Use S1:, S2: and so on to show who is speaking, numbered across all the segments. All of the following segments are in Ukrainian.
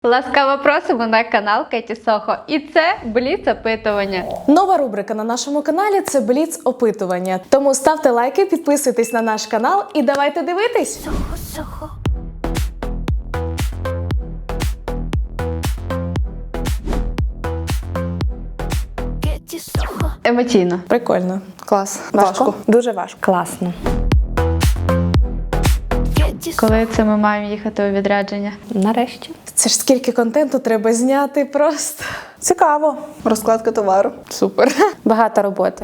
S1: Ласкаво просимо на канал Кеті Сохо. І це Бліц-опитування.
S2: Нова рубрика на нашому каналі – це Бліц-опитування. Тому ставте лайки, підписуйтесь на наш канал і давайте дивитись!
S1: Сохо. Кеті Сохо. Емоційно.
S2: Прикольно.
S3: Клас.
S2: Важко?
S3: Дуже важко. Класно.
S1: Коли це ми маємо їхати у відрядження?
S3: Нарешті.
S2: Це ж скільки контенту треба зняти просто.
S3: Цікаво.
S4: Розкладка товару.
S3: Супер. Багато роботи.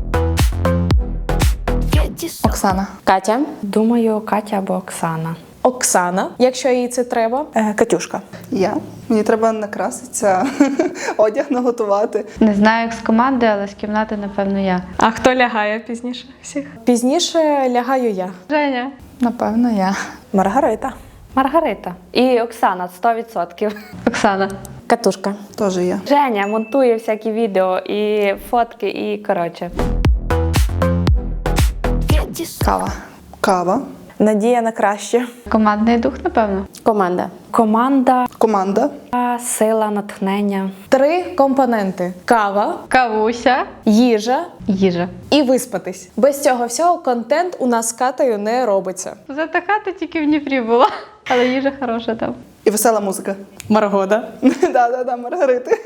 S4: Оксана.
S3: Катя. Думаю, Катя або Оксана.
S2: Оксана, якщо їй це треба.
S3: Катюшка.
S4: Я. Мені треба накраситися, одяг наготувати.
S1: Не знаю, як з команди, але з кімнати, напевно, я.
S2: А хто лягає пізніше всіх? Пізніше лягаю я.
S1: Женя.
S4: Напевно, я.
S3: Маргарита. Маргарита. І Оксана 100%.
S1: Оксана.
S3: Катушка.
S4: Теж я.
S3: Женя монтує всякі відео і фотки, і коротше.
S4: Кава. Кава.
S2: Надія на краще.
S1: Командний дух, напевно.
S3: Команда. Команда.
S4: Команда.
S3: Сила, натхнення. 3
S2: Компоненти: кава,
S1: Кавуся.
S2: їжа
S1: Їжа.
S2: і виспатись. Без цього всього контент у нас з Катею не робиться.
S1: Затихати тільки в Дніпрі було. Але їжа хороша там.
S4: І весела музика.
S2: Маргода.
S4: Да, Маргарити.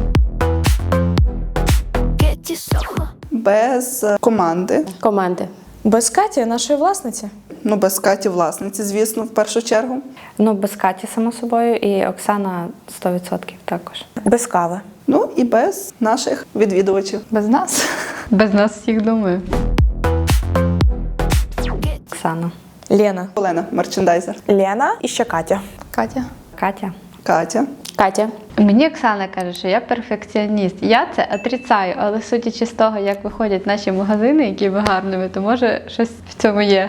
S4: Без команди.
S3: Команди.
S2: Без Каті, нашої власниці.
S4: Ну, без Каті власниці, звісно, в першу чергу.
S3: Ну, без Каті, само собою, і Оксана 100% також.
S2: Без кави.
S4: Ну, і без наших відвідувачів.
S1: Без нас. Без нас всіх, думаю.
S3: Оксана.
S2: Лена.
S4: Олена, мерчендайзер.
S2: Лена і ще Катя.
S4: Катя.
S3: Катя.
S4: Катя.
S3: Катя.
S1: Мені Оксана каже, що я перфекціоніст. Я це отрицаю, але судячи з того, як виходять наші магазини, які ви гарними, то може щось в цьому є.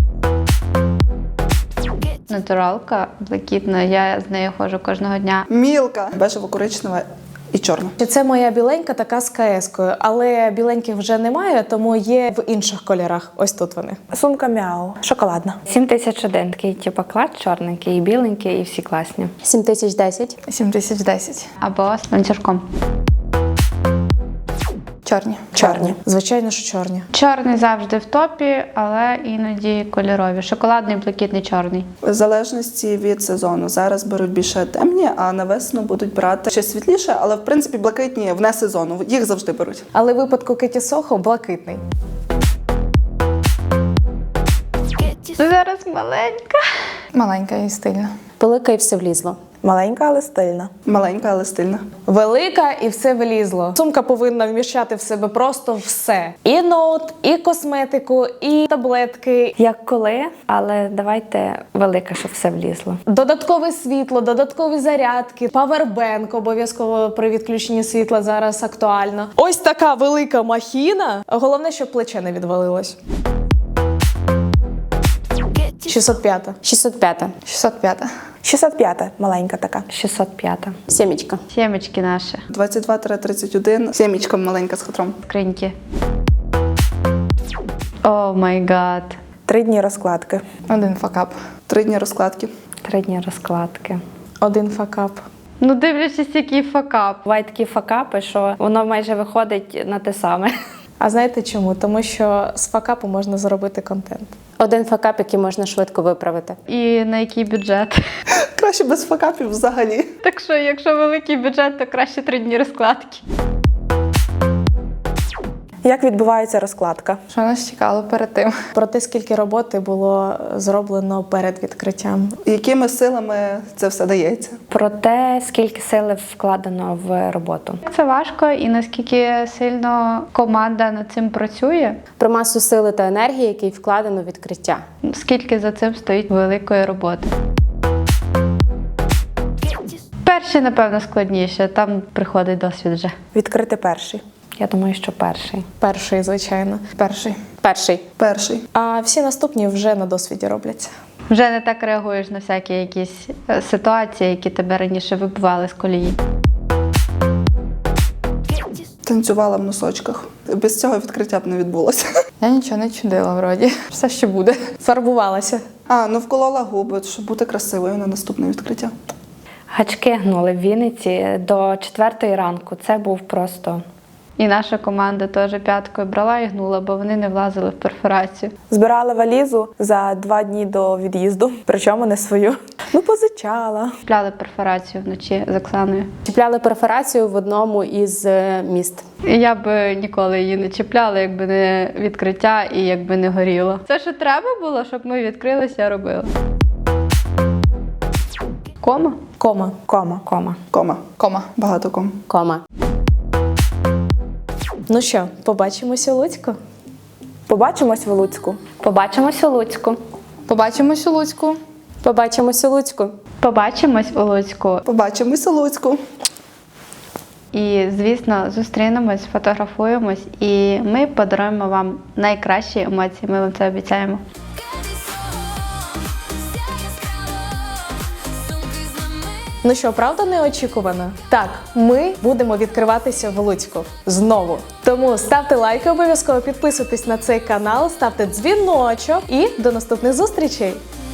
S1: Натуралка блакитна, я з нею ходжу кожного дня.
S4: Мілка. Бежево-коричнева і чорна.
S2: Це моя біленька така з КС-кою, але біленьких вже немає, тому є в інших кольорах. Ось тут вони.
S3: Сумка Мяу. Шоколадна. 7001. Типа клад чорненький, і біленький, і всі класні. 7010.
S4: 7010.
S1: Або з ланцюжком.
S4: Чорні.
S2: Чорні. Звичайно, що чорні.
S1: Чорний завжди в топі, але іноді кольорові. Шоколадний, блакитний, чорний.
S4: В залежності від сезону. Зараз беруть більше темні, а на весну будуть брати ще світліше, але в принципі блакитні вне сезону. Їх завжди беруть.
S2: Але в випадку Кеті Сохо блакитний.
S1: Зараз маленька.
S4: Маленька і стильна.
S3: Велика і все влізло.
S2: Маленька, але стильна.
S4: Маленька, але стильна.
S2: Велика і все влізло. Сумка повинна вміщати в себе просто все. І ноут, і косметику, і таблетки.
S3: Як коли, але давайте велика, щоб все влізло.
S2: Додаткове світло, додаткові зарядки, павербенк обов'язково при відключенні світла зараз актуально. Ось така велика махіна. Головне, щоб плече не відвалилось. 605.
S3: 605.
S4: 605.
S2: 605. Маленька така.
S3: 605. Сімечка.
S1: Сімечки наші.
S4: 22-31. Сімічка маленька з хатром.
S1: Скриньки. О май гад.
S2: 3 дні розкладки.
S4: 1 факап. 3 дні розкладки.
S3: 3 дні розкладки.
S2: 1 факап.
S1: Ну, дивлячись, який факап.
S3: Бувають такі факапи, що воно майже виходить на те саме.
S2: А знаєте чому? Тому що з факапу можна зробити контент.
S3: 1 факап, який можна швидко виправити.
S1: І на який бюджет?
S4: Краще без факапів взагалі.
S1: Так що, якщо великий бюджет, то краще 3 дні розкладки.
S2: Як відбувається розкладка?
S4: Що нас чекало перед тим?
S2: Про те, скільки роботи було зроблено перед відкриттям.
S4: Якими силами це все дається?
S3: Про те, скільки сили вкладено в роботу.
S1: Це важко і наскільки сильно команда над цим працює,
S3: Про масу сили та енергії, який вкладено в відкриття.
S1: скільки за цим стоїть великої роботи. Перші, напевно, складніше, там приходить досвід вже.
S2: Відкрити перший.
S3: Я думаю, що перший.
S2: Перший, звичайно.
S4: Перший.
S3: Перший.
S4: Перший.
S2: А всі наступні вже на досвіді робляться.
S1: Вже не так реагуєш на всякі якісь ситуації, які тебе раніше вибивали з колії.
S4: Танцювала в носочках. Без цього відкриття б не відбулося.
S5: Я нічого не чудила, вроді. Все ще буде.
S2: Фарбувалася.
S4: Ну вколола губи, щоб бути красивою на наступне відкриття.
S3: Гачки гнули в Вінниці до 4 ранку. Це був просто...
S1: І наша команда теж п'яткою брала і гнула, бо вони не влазили в перфорацію.
S6: Збирала валізу за 2 дні до від'їзду, причому не свою. Ну, позичала.
S1: Купляли перфорацію вночі з Оксаною.
S7: Чіпляли перфорацію в одному із міст.
S1: І я б ніколи її не чіпляла, якби не відкриття і якби не горіло. Це що треба було, щоб ми відкрилися, робили. Кома?
S2: Кома.
S6: Кома.
S3: Кома.
S4: Кома.
S5: Кома.
S4: Багато ком.
S7: Кома.
S2: Ну що, побачимося у Луцьку?
S6: Побачимось в Луцьку.
S3: Побачимось у Луцьку.
S5: Побачимось у Луцьку.
S7: Побачимось у Луцьку.
S1: Побачимось у Луцьку.
S4: Побачимось у Луцьку.
S1: І, звісно, зустрінемось, фотографуємось, і ми подаруємо вам найкращі емоції. Ми вам це обіцяємо.
S2: Ну що, правда неочікувано? Так, ми будемо відкриватися в Луцьку знову. Тому ставте лайки, обов'язково підписуйтесь на цей канал, ставте дзвіночок і до наступних зустрічей!